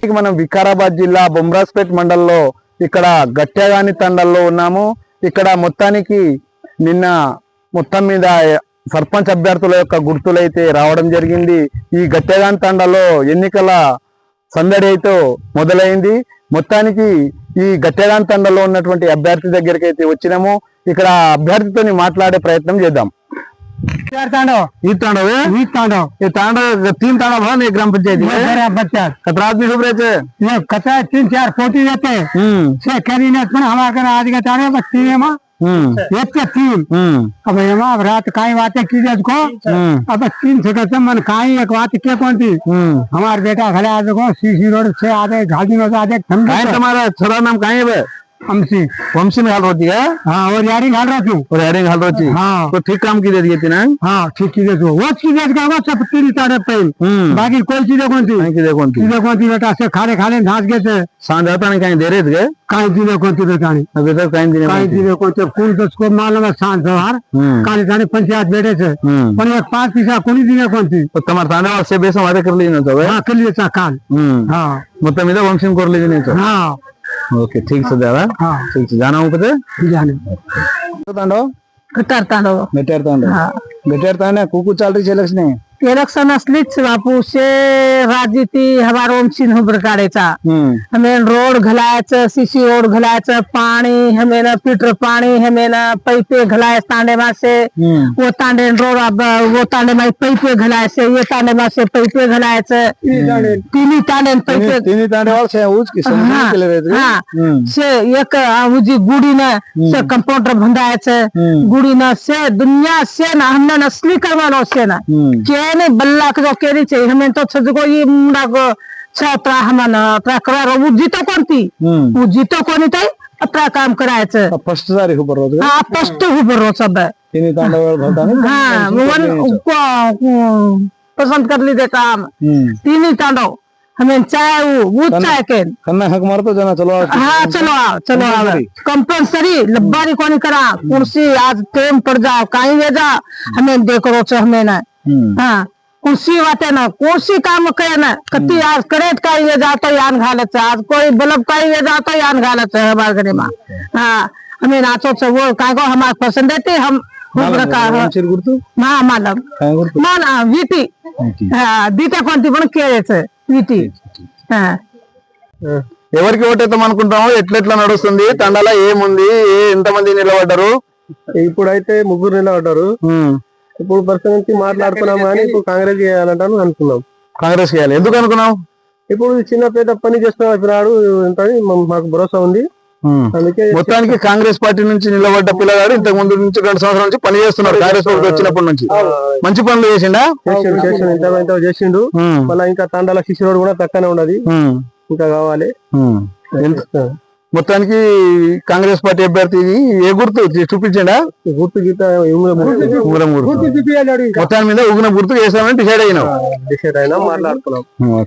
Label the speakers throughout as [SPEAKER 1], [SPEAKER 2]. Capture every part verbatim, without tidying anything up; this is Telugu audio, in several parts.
[SPEAKER 1] మనం వికారాబాద్ జిల్లా బొమ్రాస్పేట్ మండలంలో ఇక్కడ గట్యగాని తండల్లో ఉన్నాము. ఇక్కడ మొత్తానికి నిన్న మొత్తం మీద సర్పంచ్ అభ్యర్థుల యొక్క గుర్తులైతే రావడం జరిగింది. ఈ గట్యగాని తండలో ఎన్నికల సందడి అయితే మొదలైంది. మొత్తానికి ఈ గట్యగాని తండలో ఉన్నటువంటి అభ్యర్థి దగ్గరికి అయితే వచ్చినాము. ఇక్కడ అభ్యర్థితో మాట్లాడే ప్రయత్నం చేద్దాం.
[SPEAKER 2] तांडव
[SPEAKER 1] तांडव
[SPEAKER 2] है तांडव
[SPEAKER 1] ये तांडव तीन तांडव है ना ग्राम पंचायती
[SPEAKER 2] बच्चा
[SPEAKER 1] कतरा आदमी डूब रहे थे
[SPEAKER 2] ये कचा तीन चार फोटी रहते से करी ने पण हमारे आज का तांडव बस तीन में एक के तीन अब एमा अब रात काई बातें की जज को अब तीन से कसम मन काई एक बात के कौन थी हमार बेटा खड़े आज को सीसी रोड से आधे घाटी में आधे काई
[SPEAKER 1] तुम्हारा छोरा नाम काई है
[SPEAKER 2] वंशी
[SPEAKER 1] वंशी में हाल होती है।
[SPEAKER 2] हाँ और यारिंग हाल रही
[SPEAKER 1] और यारिंग हाल रही
[SPEAKER 2] हाँ
[SPEAKER 1] तो ठीक काम की दे दिए थी ना।
[SPEAKER 2] हाँ ठीक चीजें तो वो चीजें का वो सब तीन तारे पे बाकी कोई चीजें कौन थी
[SPEAKER 1] चीजें कौन थी
[SPEAKER 2] चीजें कौन थी बेटा से खाने खाने घास गए थे
[SPEAKER 1] सांझ आता नहीं कहीं दे रहे थे
[SPEAKER 2] कहीं चीजें कौन थी बेटा
[SPEAKER 1] अभी तक कहीं दिन
[SPEAKER 2] कहीं चीजें कौन थे कौन दस को मालूम है सांझ सवार काली जाने पंचायत बैठे थे पर एक पांच पैसा कौन चीजें कौन थी
[SPEAKER 1] तो तुम्हारे थाने से बेस हमारे कर लीजिए तो
[SPEAKER 2] हाँ कर लिए काल हाँ
[SPEAKER 1] मतलब इधर वंशी में कर लीजिए नहीं तो
[SPEAKER 2] हाँ
[SPEAKER 1] ओके ठीक से दादा
[SPEAKER 2] हाँ
[SPEAKER 1] ठीक से जाना हूँ पता
[SPEAKER 2] जाने
[SPEAKER 1] तांडव
[SPEAKER 3] कतार तांडव
[SPEAKER 1] बेटर तांडव
[SPEAKER 3] हाँ
[SPEAKER 1] बेटर तांडव कुकु चाल रही है इलेक्शन
[SPEAKER 3] इलेक्शन असलीच बापू से राजनीती हमारा वंशीन हो प्रकारेचा हमें रोड घलायचं सीसी रोड घलायचं पाणी हमें ना पीटर पाणी हमें ना पैपे घलाय तांडे मासे वो तांडे रोड वो तांडे मासे पैपे घलायचे ये तांडे मासे पैपे घलायचं तीन तांडे पैपे
[SPEAKER 1] तीन तांडे और से उज की समझ के ले रहे थे
[SPEAKER 3] हाँ से एक उजी गुड़ी ना से कंपाउंडर भंडायचं गुड़ी ना से दुनिया से ना हमने असली करवानो से ना ने बल्ला के जो केरी चाहिए हमें तो छजको ये मुंडा को छत्रा हमन त्रा करा वो जीतो कोणती वो जीतो कोणी ताई अत्रा काम करायचं
[SPEAKER 1] फर्स्ट सारी ऊपर रोज
[SPEAKER 3] हां फर्स्ट ऊपर रोज सब
[SPEAKER 1] तीन तांडव भरता ना
[SPEAKER 3] हां वन को पसंद कर ली दे काम तीन तांडव हमें चाहे वो वो चाहे के
[SPEAKER 1] कन्ना हक मारतो जना चलो
[SPEAKER 3] हां चलो आओ चलो आओ कंपल्सरी लब्बारी कोणी करा कुर्सी आज टेम पड़ जाओ काई ले जा हमें देखो छ हमें ना हाँ कुर्सी वाते ना कुर्सी काम करे ना कति आज करेट का ये जाता यान घालत आज कोई बल्ब का ये जाता यान घालत है हमारे घरे में हाँ हमें नाचो से वो काय को हमारे पसंद है हम
[SPEAKER 1] गुर्तु
[SPEAKER 3] हाँ मालम माना वीटी हाँ दीटा कोणती पण केळेছে वीटी हाँ
[SPEAKER 1] ఎవరికి ఓటేద్దాం అనుకుంటామో ఎట్లెట్లా నడుస్తుంది తండాల ఏముంది ఎంత మంది నిలబడ్డారు
[SPEAKER 2] ఇప్పుడైతే ముగ్గురు నిలబడ్డారు ఇప్పుడు ప్రస్తుతం నుంచి మాట్లాడుతున్నాం కానీ ఇప్పుడు కాంగ్రెస్ చేయాలంటాను అనుకున్నాం
[SPEAKER 1] కాంగ్రెస్ చేయాలి ఎందుకు అనుకున్నాం
[SPEAKER 2] ఇప్పుడు చిన్న పేద పని చేస్తున్నాడు మాకు భరోసా ఉంది అందుకే
[SPEAKER 1] మొత్తానికి కాంగ్రెస్ పార్టీ నుంచి నిలబడ్డ పిల్లగాడు ఇంతకు ముందు నుంచి రెండు సంవత్సరాల నుంచి పని చేస్తున్నాడు కాంగ్రెస్ పార్టీ వచ్చినప్పటి నుంచి మంచి పనులు చేసిండా
[SPEAKER 2] చేసిండు చేసిండు ఇంత ఇంత చేసిండు మళ్ళీ ఇంకా తండాల శిశుడు కూడా తక్కువనే ఉన్నది ఇంకా కావాలి
[SPEAKER 1] మొత్తానికి కాంగ్రెస్ పార్టీ అభ్యర్థి ఏ గుర్తు చూపించండా
[SPEAKER 2] గుర్తు గీత
[SPEAKER 1] మొత్తాన్ని మీద ఉగ్న గుర్తు చేస్తామని డిసైడ్ అయినాం
[SPEAKER 2] డిసైడ్ అయినా మాట్లాడుతున్నాం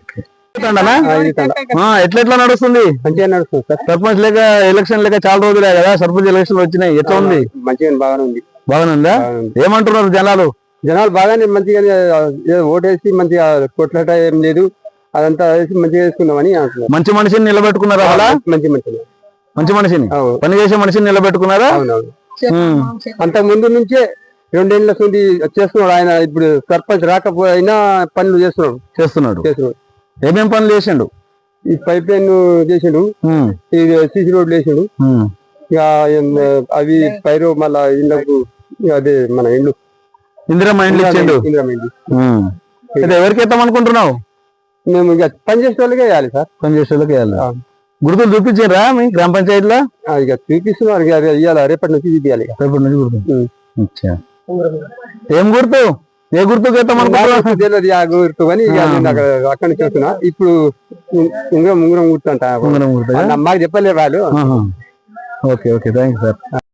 [SPEAKER 1] ఎట్లెట్లా నడుస్తుంది
[SPEAKER 2] మంచిగా నడుస్తుంది సార్
[SPEAKER 1] సర్పంచ్ లేక ఎలక్షన్ లేక చాలా రోజులే కదా సర్పంచ్ ఎలక్షన్ వచ్చినాయి ఎట్లా ఉంది
[SPEAKER 2] మంచిగా బాగానే ఉంది
[SPEAKER 1] బాగానే ఉందా ఏమంటున్నారు జనాలు
[SPEAKER 2] జనాలు బాగానే మంచిగా ఓటేసి మంచిగా కొట్లాట ఏం లేదు అదంతా మంచిగా చేసుకుందామని అంటున్నారు
[SPEAKER 1] మంచి మనిషిని నిలబెట్టుకున్నారా అలా
[SPEAKER 2] మంచి మంచి
[SPEAKER 1] మంచి మనిషిని పని చేసే మనిషిని నిలబెట్టుకున్నారా
[SPEAKER 2] అంతకు ముందు నుంచే రెండేళ్ల నుండి చేస్తున్నాడు ఆయన ఇప్పుడు సర్పంచ్ రాకపోయినా పనులు చేస్తున్నాడు
[SPEAKER 1] చేస్తున్నాడు
[SPEAKER 2] చేస్తున్నాడు
[SPEAKER 1] ఏమేం పనులు చేసిండు
[SPEAKER 2] ఈ పైప్ లైన్ చేసిండు ఈ సీసీ రోడ్లు వేసిండు ఇక అవి పైరు మళ్ళా ఇళ్ళకు అదే మన ఇల్లు
[SPEAKER 1] ఇందిరమ్మ ఇండ్లు ఇచ్చిండు
[SPEAKER 2] ఇందిరమ్మ ఇండ్లు
[SPEAKER 1] ఎవరికి ఇద్దాం అనుకుంటున్నావు
[SPEAKER 2] మేము ఇక పని చేసే వాళ్ళకే వేయాలి సార్
[SPEAKER 1] పని చేసే వాళ్ళకి వేయాలి గుర్తులు చూపించారా మీ గ్రామ పంచాయతీలో
[SPEAKER 2] ఇక చూపిస్తున్నారు ఇవ్వాలి రేపటి నుంచి చూపించాలి
[SPEAKER 1] రేపటి నుంచి గుర్తు ఏం గుర్తు ఏ గుర్తు
[SPEAKER 2] తెలియదు ఆ గుర్తు కానీ అక్కడ అక్కడి నుంచి వస్తున్నా ఇప్పుడు ఉంగరం ఉంగరం గుర్తు అంట
[SPEAKER 1] ఉంగరం గుర్తు
[SPEAKER 2] మాకు చెప్పలేదు వాళ్ళు
[SPEAKER 1] okay okay thank you sir